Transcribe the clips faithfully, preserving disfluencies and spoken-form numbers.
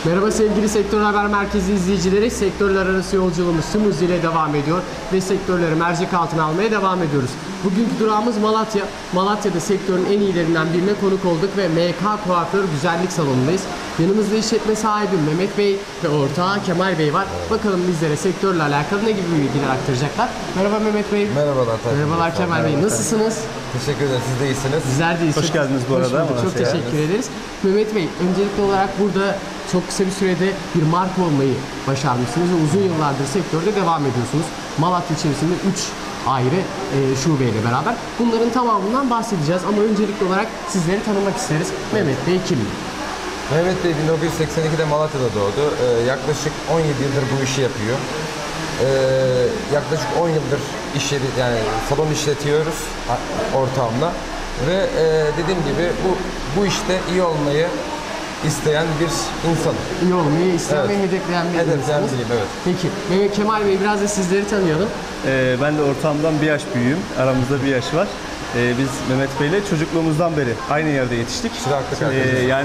Merhaba sevgili Sektör Haber Merkezi izleyicileri. Sektörler arası yolculuğumuz tüm hızıyla devam ediyor ve sektörleri mercek altına almaya devam ediyoruz. Bugünkü durağımız Malatya. Malatya'da sektörün en iyilerinden birine konuk olduk ve M K Kuaför Güzellik Salonu'ndayız. Yanımızda işletme sahibi Mehmet Bey ve ortağı Kemal Bey var. Bakalım bizlere sektörle alakalı ne gibi bilgiler aktaracaklar. Merhaba Mehmet Bey. Merhabalar. Merhabalar Kemal Bey. Nasılsınız? Teşekkür ederim. Siz de iyisiniz. Bizler de iyiyiz. Hoş geldiniz bu arada. Çok, çok teşekkür ederiz. Mehmet Bey, öncelikli olarak burada çok kısa bir sürede bir marka olmayı başarmışsınız ve uzun yıllardır sektörde devam ediyorsunuz. Malatya içerisinde üç ayrı e, şubeyle beraber. Bunların tamamından bahsedeceğiz ama öncelikli olarak sizleri tanımak isteriz. Mehmet Bey kimdir? Mehmet Bey bin dokuz yüz seksen ikide Malatya'da doğdu. Ee, yaklaşık on yedi yıldır bu işi yapıyor. Ee, yaklaşık on yıldır iş yeri, yani salon işletiyoruz ortağımla. Ve e, dediğim gibi bu bu işte iyi olmayı isteyen bir insan. İyi olmayı isteyen Evet. ve hedefleyen bir Hedefleyen insansınız. biriyim, evet. Peki, Mehmet Kemal Bey, biraz da sizleri tanıyalım. Ee, ben de ortağımdan bir yaş büyüğüm. Aramızda bir yaş var. Ee, biz Mehmet Bey'le çocukluğumuzdan beri aynı yerde yetiştik. Çıraklık Ee, arkadaşız. yani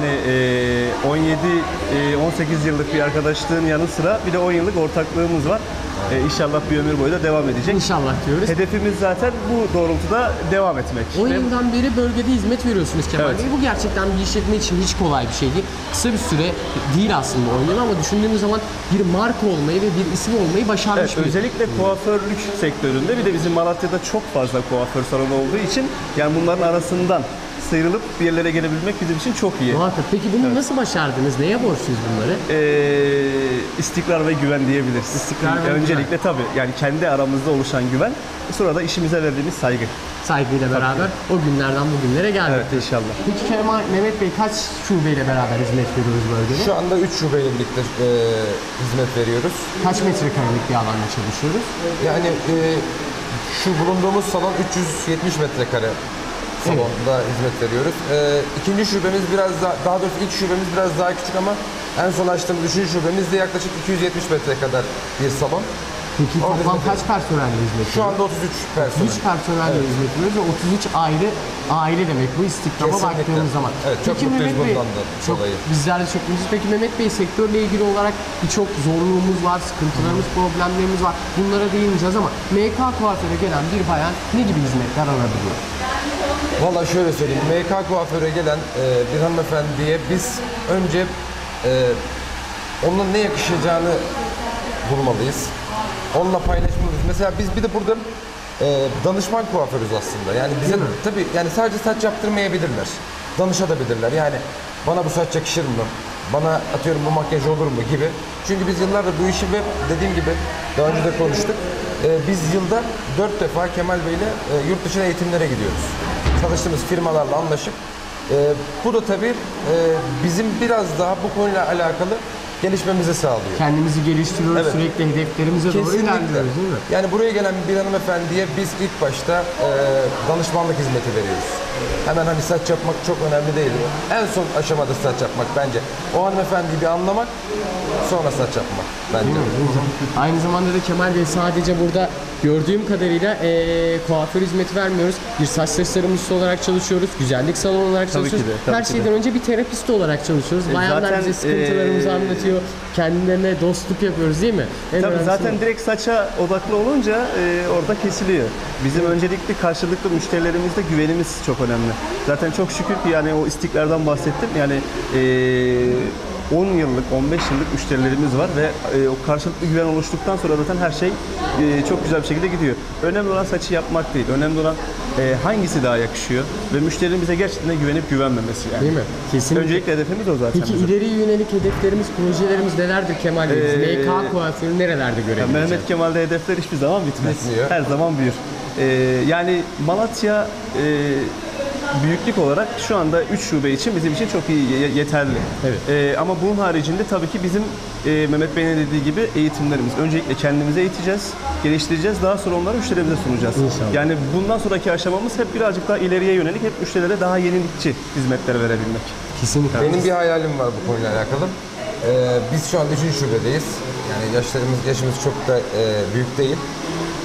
e, on yedi on sekiz yıllık bir arkadaşlığın yanı sıra bir de on yıllık ortaklığımız var. Ee, inşallah bir ömür boyu da devam edecek. İnşallah diyoruz. Hedefimiz zaten bu doğrultuda devam etmek. on Ve- yıldan beri bölgede hizmet veriyorsunuz Kemal Evet. Bey. Bu gerçekten bir işletme için hiç kolay bir şey değil. Kısa bir süre değil aslında on yıl ama düşündüğümüz zaman bir marka olmayı ve bir isim olmayı başarmış Evet, bir. özellikle kuaförlük sektöründe bir de bizim Malatya'da çok fazla kuaför salonu olduğu için yani bunların arasından sıyrılıp bir yerlere gelebilmek bizim için çok iyi. Muhakkak. Peki bunu nasıl başardınız? Neye borçluyuz bunları? Ee, istikrar ve güven diyebiliriz. İstikrar ve Öncelikle tabii yani kendi aramızda oluşan güven, sonra da işimize verdiğimiz saygı. Saygıyla beraber o günlerden bugünlere geldik. Evet, inşallah. Peki Kemal, Mehmet Bey kaç şubeyle beraber hizmet veriyoruz bölgede? Şu anda üç şubeyle birlikte e, hizmet veriyoruz. Kaç metrekarelik bir alanda çalışıyoruz? Yani e, şu bulunduğumuz salon üç yüz yetmiş metrekare salonda hizmet veriyoruz. E, ikinci şubemiz biraz daha, daha doğrusu ilk şubemiz biraz daha küçük ama en son açtığımız üçüncü şubemiz de yaklaşık iki yüz yetmiş metre kadar bir salon. Peki Orada toplam hizmet kaç personelle hizmet Şu veriyoruz? anda otuz üç personel. otuz üç personelle hizmet veriyoruz ve otuz üç ayrı aile demek bu istikrama Kesinlikle. baktığımız zaman. Evet, çok mutluyuz Mehmet Bey, bundan da çok, dolayı. bizler de çok mutluyuz. Peki Mehmet Bey, sektörle ilgili olarak birçok zorluğumuz var, sıkıntılarımız, problemlerimiz var. Bunlara değineceğiz ama M K Kuaför'e gelen bir bayan ne gibi hizmetler alabiliyor? Valla şöyle söyleyeyim, M K Kuaför'e gelen e, bir hanımefendiye biz önce e, onun ne yakışacağını bulmalıyız. Onunla paylaşmalıyız. Mesela biz bir de burada e, danışman kuaförüz aslında. Yani bize tabii yani sadece saç yaptırmayabilirler. Danışabilirler. Yani bana bu saç yakışır mı? Bana atıyorum bu makyaj olur mu gibi. Çünkü biz yıllardır bu işi ve dediğim gibi daha önce de konuştuk. E, biz yılda dört defa Kemal Bey'le e, yurt dışına eğitimlere gidiyoruz. Çalıştığımız firmalarla anlaşıp. E, bu da tabii e, bizim biraz daha bu konuyla alakalı gelişmemizi sağlıyor. Kendimizi geliştiriyoruz, Evet. sürekli hedeflerimize doğru Kesinlikle. ilerliyoruz değil mi? Yani buraya gelen bir hanımefendiye biz ilk başta e, danışmanlık hizmeti veriyoruz. Hemen hani saç yapmak çok önemli değil. En son aşamada saç yapmak bence. O hanımefendiyi bir anlamak, sonra saç yapmak bence. Aynı zamanda da Kemal Bey, sadece burada gördüğüm kadarıyla eee kuaför hizmeti vermiyoruz. Bir saç tasarımcısı olarak çalışıyoruz, güzellik salonu olarak Tabii çalışıyoruz. ki de, tabii Her ki şeyden önce bir terapist olarak çalışıyoruz. E, Bayanlar zaten, bize sıkıntılarımızı eee, anlatıyor. Kendilerine dostluk yapıyoruz değil mi? En Tabii önemlisi zaten bu. direkt saça odaklı olunca e, orada kesiliyor. Bizim öncelikli karşılıklı müşterilerimizde güvenimiz çok önemli. Zaten çok şükür ki yani o istikrardan bahsettim. Yani e, on yıllık, on beş yıllık müşterilerimiz var ve e, o karşılıklı güven oluştuktan sonra zaten her şey e, çok güzel bir şekilde gidiyor. Önemli olan saçı yapmak değil. Önemli olan e, hangisi daha yakışıyor ve müşterinin bize gerçekten güvenip güvenmemesi yani. Değil mi? Kesinlikle. Öncelikle hedefimiz o zaten. Peki bizim. ileriye yönelik hedeflerimiz, projelerimiz nelerdir Kemal Bey? Biz Ee, M K kuaförü nerelerde Ya görebiliriz? Mehmet Kemal'de hedefler hiçbir zaman bitmez. Bitmiyor. Her zaman büyür. Ee, yani Malatya e, büyüklük olarak şu anda üç şube için bizim için çok iyi, ye- yeterli. Evet. Ee, ama bunun haricinde tabii ki bizim e, Mehmet Bey'in dediği gibi eğitimlerimiz. Öncelikle kendimize eğiteceğiz, geliştireceğiz. Daha sonra onları müşterimize sunacağız. İnşallah. Yani bundan sonraki aşamamız hep birazcık daha ileriye yönelik, hep müşterilere daha yenilikçi hizmetler verebilmek. Kesinlikle. Benim bir hayalim var bu konuyla alakalı. Ee, biz şu anda üçüncü şubedeyiz. Yani yaşlarımız, yaşımız çok da e, büyük değil.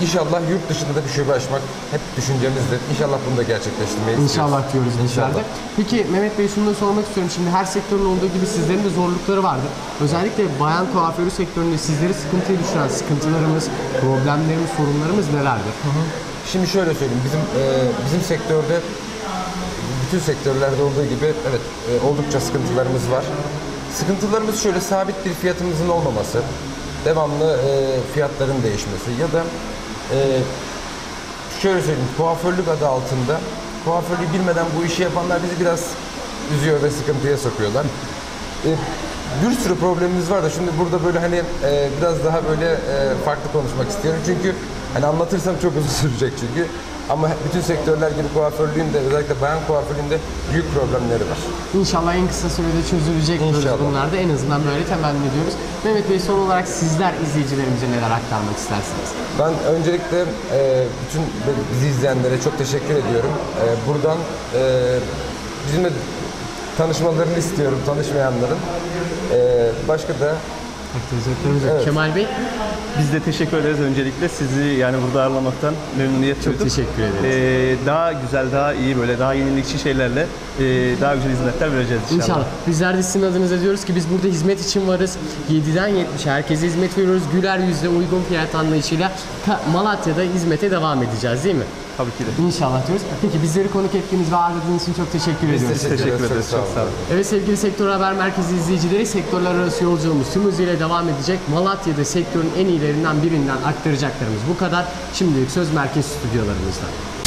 inşallah yurt dışında da bir şube açmak hep düşüncemizdir. İnşallah bunu da gerçekleştirmeyi istiyoruz. İnşallah diyoruz bizler de. İnşallah. Peki Mehmet Bey, şunu da sormak istiyorum. Şimdi her sektörün olduğu gibi sizlerin de zorlukları vardır. Özellikle bayan kuaförü sektöründe sizleri sıkıntıya düşüren sıkıntılarımız, problemlerimiz, sorunlarımız nelerdir? Şimdi şöyle söyleyeyim, bizim e, bizim sektörde bütün sektörlerde olduğu gibi evet e, oldukça sıkıntılarımız var. Sıkıntılarımız şöyle: sabit bir fiyatımızın olmaması, devamlı e, fiyatların değişmesi ya da e, şöyle söyleyeyim, kuaförlük adı altında kuaförlüğü bilmeden bu işi yapanlar bizi biraz üzüyor ve sıkıntıya sokuyorlar. E, bir sürü problemimiz var da şimdi burada böyle hani e, biraz daha böyle e, farklı konuşmak istiyorum çünkü hani anlatırsam çok uzun sürecek çünkü. Ama bütün sektörler gibi kuaförlüğün de özellikle bayan kuaförlüğünde büyük problemleri var. İnşallah en kısa sürede çözülecek diyoruz İnşallah. bunlar da. En azından böyle temenni ediyoruz. Mehmet Bey, son olarak sizler izleyicilerimize neler aktarmak istersiniz? Ben öncelikle e, bütün bizi izleyenlere çok teşekkür ediyorum. E, buradan e, bizimle tanışmalarını istiyorum, tanışmayanların. E, başka da Aktivizörlerimiz Evet. Kemal Bey, Biz de teşekkür ederiz öncelikle. Sizi yani burada ağırlamaktan memnuniyet duyduk. teşekkür ederiz. Ee, daha güzel, daha iyi, böyle daha yenilikçi şeylerle e, daha güzel hizmetler vereceğiz inşallah. İnşallah. Bizler de sizin adınıza diyoruz ki biz burada hizmet için varız. yediden yetmişe herkese hizmet veriyoruz. Güler yüzle, uygun fiyat anlayışıyla Ka- Malatya'da hizmete devam edeceğiz, değil mi? Tabii ki de. İnşallah diyoruz. Peki bizleri konuk ettiğiniz ve ağırladığınız için çok teşekkür biz ediyoruz. teşekkür, Teşekkür ederiz. ederiz. Çok sağ olun. Evet sevgili Sektör Haber Merkezi izleyicileri, sektörler arası yolculuğumuz tüm hızıyla devam edecek. Malatya'da sektörün en iyilerinden birinden aktaracaklarımız bu kadar. Şimdilik söz merkez stüdyolarımızda.